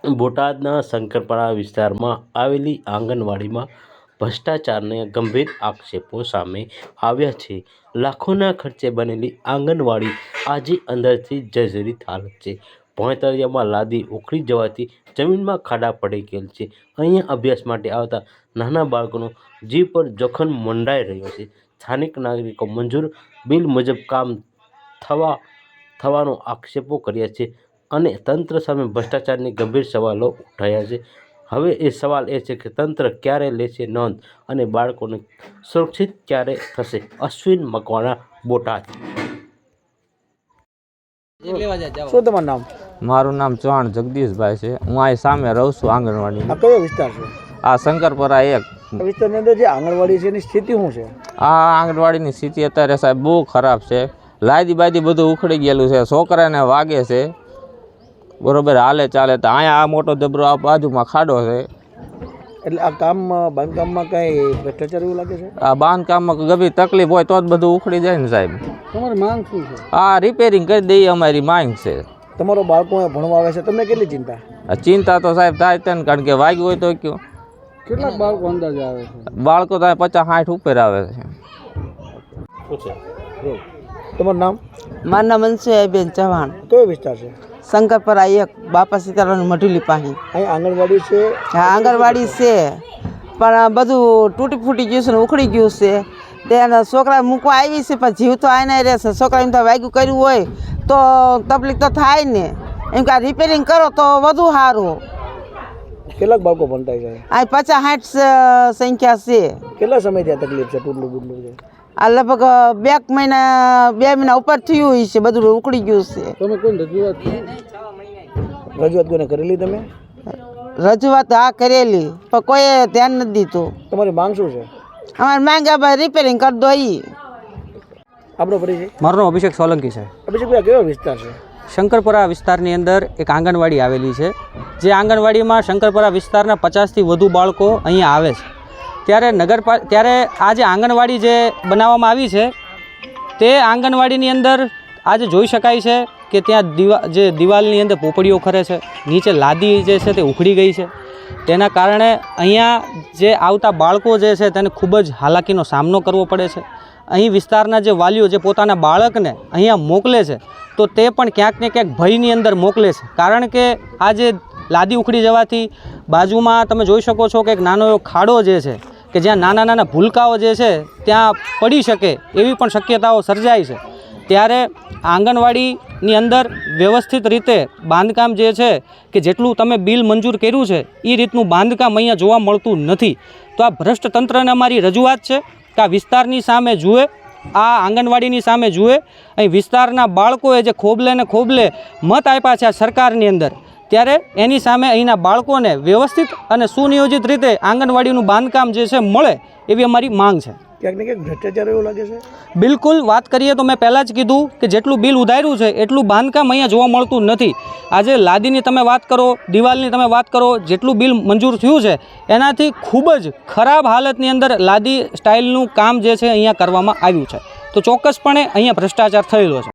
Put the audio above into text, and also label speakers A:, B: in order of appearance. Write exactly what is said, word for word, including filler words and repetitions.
A: બોટાદના શંકરપરા વિસ્તારમાં આવેલી આંગણવાડીમાં ભ્રષ્ટાચારના ગંભીર આક્ષેપો સામે આવ્યા છે. લાખોના ખર્ચે બનેલી આંગણવાડી આજે અંદરથી જર્જરિત હાલત છે. ભોંયતળિયામાં લાદી ઉખડી જવાથી જમીનમાં ખાડા પડી ગયેલ છે. અહીંયા અભ્યાસ માટે આવતા નાના બાળકોનો જીવ પર જોખમ મંડાઈ રહ્યો છે. સ્થાનિક નાગરિકો મંજૂર બિલ મુજબ કામ થવા થવાનો આક્ષેપો કર્યા છે અને તંત્ર સામે ભ્રષ્ટાચારની ગંભીર સવાલો ઉઠાયા છે. હવે એ સવાલ એ છે કે તંત્ર ક્યારે લેશે નોંધ અને બાળકોને સુરક્ષિત ક્યારે થશે. અશ્વિન મકવાણા, બોટાદ.
B: શું તમારું નામ?
C: મારું નામ ચૌહાણ જગદીશભાઈ છે. હું અહીં સામે રહું છું આંગણવાડી.
B: આ કયો વિસ્તાર છે?
C: આ શંકરપરા એક.
B: આ વિસ્તારની અંદર જે આંગણવાડી છે એની સ્થિતિ શું છે?
C: આ આંગણવાડીની સ્થિતિ અત્યારે સાહેબ બહુ ખરાબ છે. લાદી બાદી બધું ઉખડી ગયેલું છે. છોકરાને વાગે છે બરોબર, હાલે ચાલે તો અહીંયા આ મોટો જબરો આ બાજુમાં ખાડો છે.
B: એટલે આ કામ બાંધકામમાં કઈ ભ્રષ્ટાચાર એવું લાગે છે?
C: આ બાંધકામમાં ગભી તકલીફ હોય તો જ બધું ઉખડી જાય ને સાહેબ.
B: તમારી માંગ શું છે?
C: આ રિપેરિંગ કરી દઈએ અમારી માંગ છે.
B: તમારો બાળકો ભણવા આવે છે, તમને કેટલી ચિંતા?
C: ચિંતા તો સાહેબ થાય છે ને, કારણ કે વાગ્યું હોય તો કયો.
B: કેટલાક બાળકો અંદાજે આવે છે?
C: બાળકો તો પચાસ સાઠ ઉપર આવે છે.
B: તમારું નામ?
D: મારું નામ અંશુયાબેન ચૌહાણ.
B: કયો વિસ્તાર છે?
D: શંકરપરા એક, બાપા સીતારામ મઢુલી પાસે.
B: અહીં આંગણવાડી છે?
D: હા, આંગણવાડી છે પણ બધું તૂટી ફૂટી ગયું છે ને ઉખડી ગયું છે. તેના છોકરા મૂકવા આવી છે પણ જીવ તો આને રહેશે. છોકરાને તો વાગ્યું કર્યું હોય તો તકલીફ તો થાય ને. એમ કે રિપેરિંગ કરો તો વધુ સારું.
B: કેટલાક બાળકો ભણતા છે?
D: આ પચાસ સાઠ સંખ્યા છે.
B: કેટલા સમયથી આ તકલીફ છે? ટૂટલું બુટલું છે?
D: આ લગભગ બે મહિના બે મહિના ઉપર થયું હોય છે. બધું ઉખડી ગયું છે.
B: તમે કોઈ રજૂઆત રજૂઆત કોઈને કરેલી? તમે
D: રજૂઆત હા કરેલી પણ કોઈએ ધ્યાન નથી દીધું.
B: તમારી માંગ શું છે?
D: અમારે માંગ રિપેરિંગ કરી દો. એ
B: આપણો પરિચય?
E: મારું નામ અભિષેક સોલંકી છે.
B: અભિષેકભાઈ, કયો વિસ્તાર છે?
E: શંકરપરા વિસ્તારની અંદર એક આંગણવાડી આવેલી છે. જે આંગણવાડીમાં શંકરપરા વિસ્તારના પચાસથી વધુ બાળકો અહીંયા આવે છે. ત્યારે નગરપા ત્યારે આ જે આંગણવાડી જે બનાવવામાં આવી છે તે આંગણવાડીની અંદર આજે જોઈ શકાય છે કે ત્યાં દિવા જે દિવાલની અંદર પોપડીઓ ખરે છે. નીચે લાદી જે છે તે ઉખડી ગઈ છે. તેના કારણે અહીંયા જે આવતા બાળકો જે છે તેને ખૂબ જ હાલાકીનો સામનો કરવો પડે છે. અહીં વિસ્તારના જે વાલીઓ જે પોતાના બાળકને અહીંયા મોકલે છે તો તે પણ ક્યાંક ને ક્યાંક ભયની અંદર મોકલે છે. કારણ કે આ જે લાદી ઉખડી જવાથી બાજુમાં તમે જોઈ શકો છો કે એક નાનો એવો ખાડો જે છે કે જ્યાં નાના નાના ભૂલકાઓ જે છે ત્યાં પડી શકે એવી પણ શક્યતાઓ સર્જાય છે. ત્યારે આંગણવાડીની અંદર વ્યવસ્થિત રીતે બાંધકામ જે છે કે જેટલું તમે બિલ મંજૂર કર્યું છે એ રીતનું બાંધકામ અહીંયા જોવા મળતું નથી. તો આ ભ્રષ્ટ તંત્રને અમારી રજૂઆત છે કે આ વિસ્તારની સામે જુએ, આ આંગણવાડીની સામે જુએ. અહીં વિસ્તારના બાળકોએ જે ખોબલે ને ખોબલે મત આપ્યા છે આ સરકારની અંદર, ત્યારે એની સામે અહીંના બાળકોને વ્યવસ્થિત અને સુનિયોજિત રીતે આંગણવાડીનું બાંધકામ જે છે મળે એવી અમારી માંગ છે.
B: ક્યાંક ને ક્યાંક ભ્રષ્ટાચાર એવું લાગે છે?
E: બિલકુલ. વાત કરીએ તો મેં પહેલાં જ કીધું કે જેટલું બિલ ઉધાર્યું છે એટલું બાંધકામ અહીંયા જોવા મળતું નથી. આજે લાદીની તમે વાત કરો, દિવાલની તમે વાત કરો, જેટલું બિલ મંજૂર થયું છે એનાથી ખૂબ જ ખરાબ હાલતની અંદર લાદી સ્ટાઇલનું કામ જે છે અહીંયા કરવામાં આવ્યું છે. તો ચોક્કસપણે અહીંયા ભ્રષ્ટાચાર થયેલો છે.